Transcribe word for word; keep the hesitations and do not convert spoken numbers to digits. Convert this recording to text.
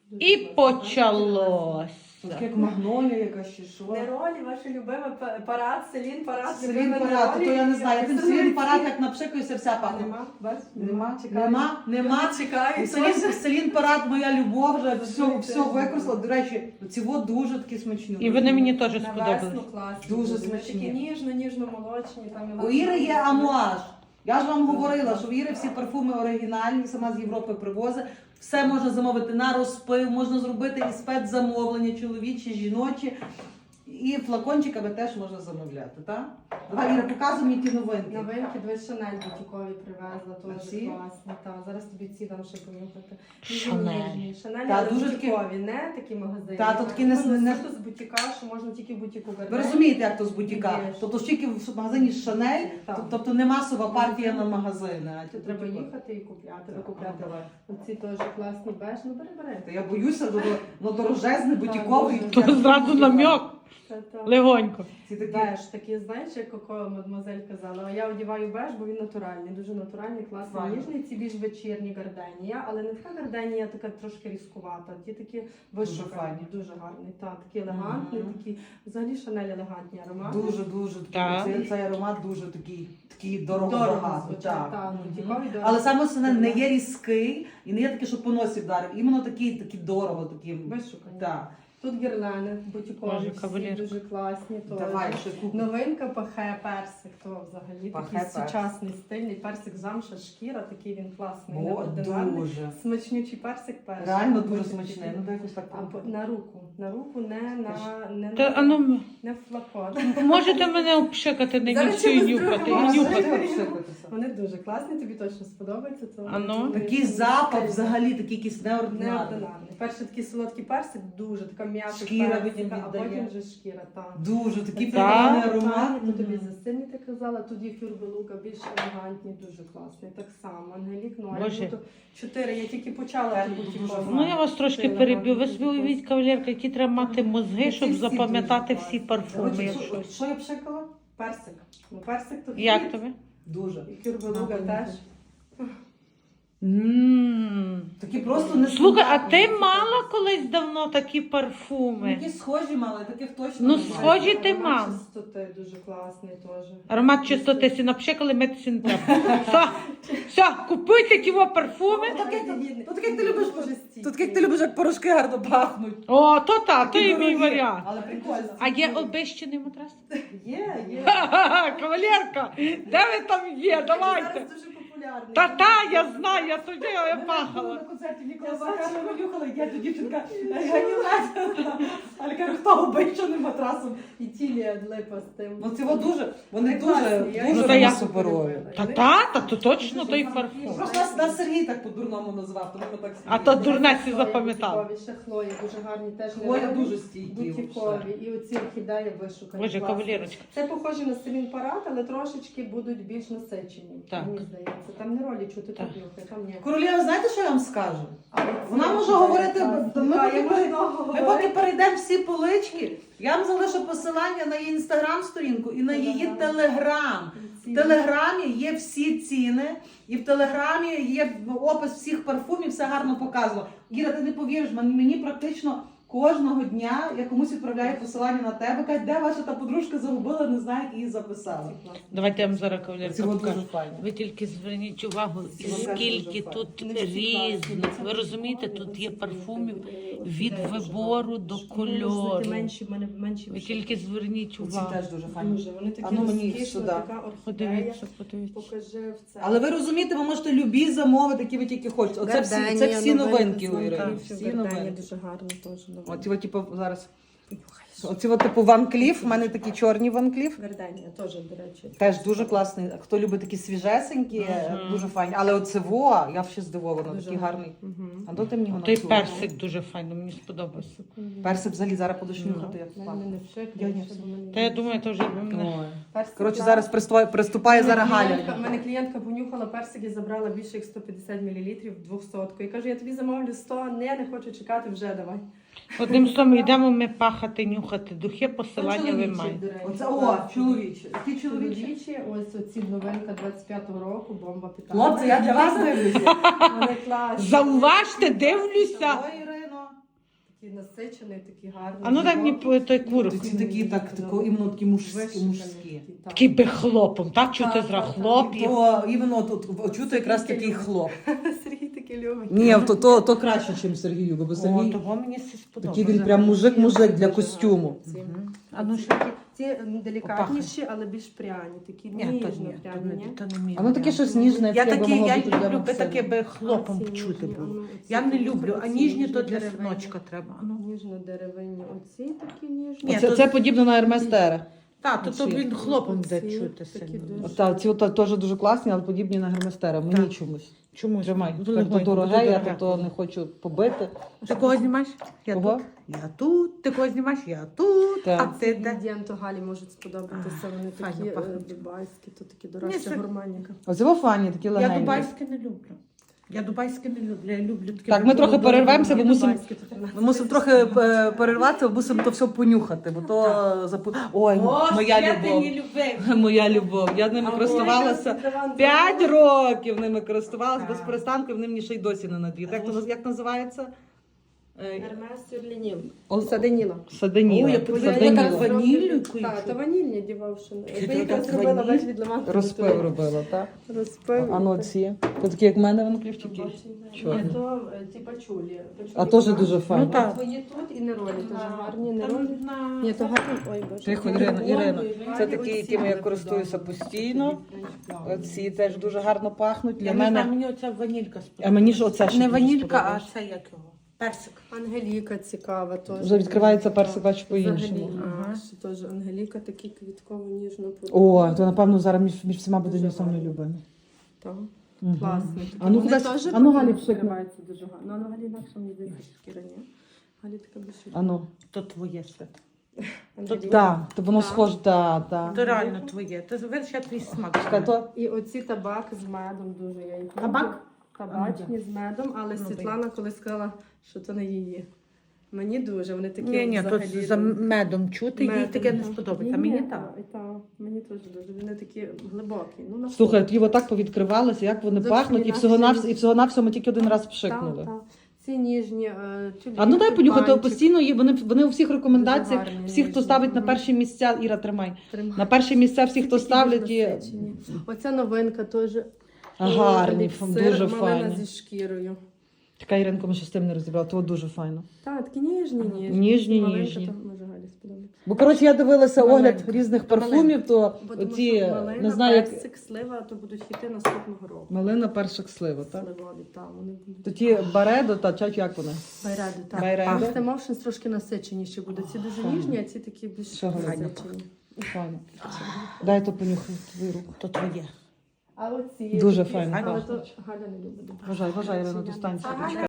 І почалось. Так як магнолія якась чи що. Неролі, ваша любима па- парад, селін парад. Селін любима парад, Неролі. то я не знаю, як Я він селін парад, як напшикується, вся пахне. Нема, бач? Нема, Чекаю. нема, нема. Чекаю. Селін, селін парад, моя любов, вже все, все використала. До речі, ці вот дуже такі смачні. І вони мені теж На сподобались. весну класні. Дуже Вони смачні. Такі ніжно, ніжно молочні. Там і У Іри є амуаж. Я ж вам говорила, що в Іри всі парфуми оригінальні, сама з Європи привозить. Все можна замовити на розпив, можна зробити і спецзамовлення, чоловічі, жіночі. І флакончиками теж можна замовляти, так? Давай, Іра, показуй мені ті новинки. Новинки, дві Шанель бутікові привезла, теж ці? класні. Та, зараз тобі ці дам ще помітити. Шанель. Шанель, Та, але дуже такі- бутікові, не такі магазини. Та, то такі не- Вони не- суто з бутіка, що можна тільки в бутіку Ви вернути. розумієте, як то з бутіка? Є. Тобто ж тільки в магазині Шанель, Так. тобто не масова партія на магазини. а ті Треба типу- їхати і купляти, Так, викупляти. давай. Оці теж класні беж, ну бери, бери. Та я боюся, бо воно дорожезне, бутіковий. дуже. То зразу намек, Це так. легонько. Ці такі. Беж, такі, знаєш, як Коко мадемуазель казала, а я одягаю беж, бо він натуральний, дуже натуральний, класний, Файно. ніжний, ці більш вечірні гарденія, але не така гарденія, така трошки різкувата, ті такі вишукані, файні. дуже гарні, так, такі елегантні, Мгм. такі, взагалі Шанель елегантні аромати. Дуже, дуже Так. такий, цей, цей аромат дуже такий, такий дорого Дорого багато. звучать, так, Мгм. бутікові дорого. Але саме основне не є різкий і не є такий, що по носі вдарив. Іменно такий, такий дорого, такий. Вишукані. Так. Тут гірлени бутікові, Боже, всі кавалерка. дуже класні. теж. Давай, ще купу. Новинка пахе персик, то взагалі Пахе такий персик. сучасний стильний персик замша шкіра, такий він класний, О, неординарний. дуже. Смачнючий персик перший. Реально дуже Потім смачний. такий. Ну, дай якось так. А по- на руку, на руку, не на не, Та, на, а ну, не в флакон. можете мене обшикати, не Зараз нюхати і чимось нюхати, другим і можна. нюхати. Вони дуже класні, тобі точно сподобається. То А ну? вони Такий дуже запах стильні. взагалі, такий якийсь неординарний. Неординарний. Перший такий солодкий персик, дуже така м'яка Шкіра персика, потім а віддає. потім вже шкіра. Так. Дуже такий Це приємний такі аромат. аромати, то тобі засильні ти казала, тут є фюрбелука, більш елегантні, дуже класний. Так само, Ангелік, ну а Боже. я тут чотири, я тільки почала Так, тут дуже типу, Ну я вас трошки Це переб'ю. Ви елегантно, собі дуже уявіть, кавалерка, які треба мати мозги, щоб Всі запам'ятати дуже всі класні. парфуми. Коротше, як що- щось. Що я пшикала? персик. Ну персик тут Як є. тобі? Дуже. І фюрбелука На, теж. М. Такі просто не Слухай, а ти мала колись давно такі парфуми? Такі схожі мали, таких точно Ну, немає. схожі ти Аромат мав. чистоти дуже класний теж. Аромат чистоти сі напшикали, митися не треба. Все, все, купуйте ті во парфуми. Так як ти- то так як ти любиш, Дуже стійкий. то так як ти любиш, як порошки гарно пахнуть. О, то та, то і мій Дорогі. варіант. Але прикольно. А є обещаний матрас? Є, є. Ха-ха-ха, кавалерка, де ви там є? Давайте. Зараз дуже популярний. Та та, я знаю, я тоді я Я була пахала. на концерті Нікола Я Сакарова нюхала, я тут дівчинка, я не знаю. Але кажу, хто обичаним матрасом. І тілі липа з тим. Ну ці от дуже, вони Класні, дуже, я дуже Ну, та вони я- суперові. Та та, та то точно той парфум. Просто нас, нас Сергій так по-дурному назвав, тому ми так А то дурнесі запам'ятав. Бутікові, ще Хлої, дуже гарні, теж Хлоя нереальні. дуже стійкі. Бутікові. І оці орхідеї вишукані. Боже, класні. кавалерочка. Це похоже на селін парад, але трошечки будуть більш насичені. Так. Мені здається. Там не ролі чути, Так. тут нюхай, там ні. Королева, знаєте, що я вам скажу? Але Вона ці може орхідеї говорити, класні. ми Так, поки я пере- можу Ми поки говорити. перейдемо всі полички, я вам залишу посилання на її інстаграм-сторінку і на її Ага. телеграм. Ці- В телеграмі є всі ціни, і в телеграмі є опис всіх парфумів, все гарно показано. Іра, ти не повіриш, мен- мені практично кожного дня я комусь відправляю посилання на тебе, кажуть, де ваша та подружка загубила, не знаю, як її записали. Давайте я вам зараз Ці кавалерка от покажу. дуже файні. Ви тільки зверніть увагу, Ці от теж скільки дуже тут файні. Вони всі класні. різних. Ви розумієте, тут є парфумів від вибору до кольору. Менші, в мене менші. Ви тільки зверніть Ці увагу. теж дуже файні. Дуже, вони такі А ну мені розкішні, сюди. така орхідея. Подивіться, подивіться. Покажи в це. Але ви розумієте, ви можете любі замовити, які ви тільки хочете. Оце всі, це всі новинки у Іри. Всі новинки. дуже гарно теж. Оці от, типу, зараз. Оці от, типу, Ван Кліф, в мене такі чорні Ван Кліф. Вердення теж, до речі. Теж дуже класний. Хто любить такі свіжесенькі, Мгм. дуже файні. Але оце во, я ще здивована, Дуже такий гарний. Мгм. А то ти мені його Той на цю. персик дуже файно, мені сподобався. Персик взагалі зараз будеш Ну. нюхати, як Мене пахне. не вшик, Я я не не все. Та я думаю, то вже ви мене. Ой. Персик, Коротше, так. зараз приступає, приступає зараз Клієнтка- Галя. в мене клієнтка понюхала персик і забрала більше як сто п'ятдесят мілілітрів, двохсотку. І каже, я тобі замовлю сто, не, не хочу чекати, вже давай. Одним словом, йдемо ми пахати, нюхати духи, посилання ви Чоловічі, маєте. до речі, Оце, о, класні. чоловічі. Які чоловічі? Чоловічі, ось оці новинка двадцять п'ятого року, бомба питання. Хлопці, я для вас дивлюся. Вони класні. Зауважте, дивлюся. Ой, Ірино. такий насичений, такий гарний. А ну дай мені глибокий. по- той курок. Ці такі, так, тако, іменно такі мужські. Вишуканий мужські. такий, так. Такий би хлопом, так? Чути Так, зра так, так. хлоп. І то іменно тут чути якраз Такий такий любить. хлоп. Сергій такий любить. Ні, то, то, то краще, ніж Сергію, бо О, Сергій того мені все сподобалося. такий він прям мужик-мужик для костюму. Мгм. А ну що? Ці м, делікатніші, але більш пряні, такі Ні, то ніжно ні, то пряні, не, ні? то не мій А ну таке варіант. щось ніжне, Я яке такі, могло я бути для люблю би Максима. таке би хлопом А ці чути ніжні, було. а ну, оці Я не такі, люблю, а оці ніжні то для ніжно-деревинні. синочка треба. А ну. Ніжно-деревинні, оці такі ніжні. Ні, Це, то- це подібно на Ерместера. Так, то, то Оці. він хлопом буде Оці чути такі сильно. дуже. От, та, ці от, теж дуже класні, але подібні на Герместера. Мені Так. чомусь. Чому? Тримай. Дуже Так, то легонько, дороге, дуже я дороге. то не хочу побити. Ти кого знімаєш? Я Кого? тут. Я тут. Ти кого знімаєш? Я тут. Так. А ти де? Інгредієнти Галі можуть сподобатися. Вони файно такі е, пахнуть. дубайські, то такі Ні, дорожча це- гурманіка. Оце во фані, такі Я легенькі. дубайське не люблю. Я дубайське не люблю. Я люблю таке. Так, ми трохи дорого. перервемося, бо Ні, мусимо дубайські, то тринадцять. Ми мусимо трохи е, перерватися, бо мусимо то все понюхати, бо то запу... Ой, О, моя ще ти любов. не любив. Моя любов. Я ними А користувалася. ой, Іван, П'ять років ними користувалася Так. без перестанку, і вони мені ще й досі не надіють. Як, то- як називається? Е, Ермес Сюрлінів. Ол- Саденіла. Саденіла. Ой, я подивилася, Саденіла. яка ваніллю якою Так, чути. то ванільні дівавшини. Чи Ви то якраз так зробила ваніль? весь від лиману. Розпив робила, так? Розпив. А ну ці. То такі, як в мене, вони клівчики. Чорні. Ні, то е, ці пачулі. Пачулі А теж гарні. дуже файно. Ну, так. Твої тут і неролі теж гарні. Там Неролі. на- Ні, то гарні. Ой, боже. Тихо, Ірина, Ірина. Це Гарні такі, оці якими я мені користуюся подобаються. постійно. Оці теж дуже гарно пахнуть. Для Я не знаю, мене. мені оця ванілька сподобалася. А мені ж оце ще Не дуже ванілька, а сподобалось. це як його? Персик. Ангеліка цікава теж. Вже відкривається персик, бачу, по-іншому. Взагалі, Ага. а, що теж Ангеліка такі квітково ніжно О, то напевно зараз між, між всіма буде мій самий любимий. Так. Мгм. Класний. А ну, Вони кудись- теж а ну, Галі, Галі пшикни. відкриваються дуже гарно. Ну, а Галі інакше мені здається, що шкіра ні. Галі така більше. А ну. То твоє свят. Ангеліка. Так, то воно Так. схоже, так, так. То реально твоє. Ти видиш, я твій смак. Чекай, то І оці табак з медом дуже я їх люблю. Табак? Табачні з медом, але Ну, Світлана колись сказала, що це не її. Мені дуже, вони такі Ні, ні, взагалі... тут за медом чути, їй медом, таке не так. сподобається. А Ні, мені ні, так. та, та, мені теж дуже. Вони такі глибокі. Ну, на слухай, ті отак повідкривалися, як вони Зовсім пахнуть, і інакше. всього навсього і всього навсього ми тільки один раз Так, пшикнули. так. Ці ніжні е, тюльпани, А ну дай понюхати тюльпанчик. постійно. Є вони вони у всіх рекомендаціях. Дуже гарні, Всі, хто ніжні. ставить на Мгм. перші місця, Іра, тримай. Тримай. На перші місця всі, Ці хто такі ставлять, більш є насичені. Оця новинка теж. гарні, еліксир, дуже малина файні. зі шкірою. Така Іринко, ми ще з тим не розібрали, то дуже файно. Так, такі ніжні, ніжні. Ніжні, Маленька, ніжні. то може Галі сподобається. Бо коротше, я дивилася Маленька. огляд різних парфумів, то Бо тому оці що малина, не знаю, як персик, слива, то будуть хіти наступного року. малина, першик, слива, так? Сливові, так, вони будуть. То ті баредо та чать, як вони? Байради, так. Байради. Просто Motions трошки насиченіші будуть. Ці дуже Файно. ніжні, а ці такі більш Що гарно насичені. Файно. Дай то понюхай твою руку. То твоє. А оці Дуже такі- файно Але пахнуть. то Галя не любить. Вважай, вважай, Ірина, Ці достанься. я не- Чекай.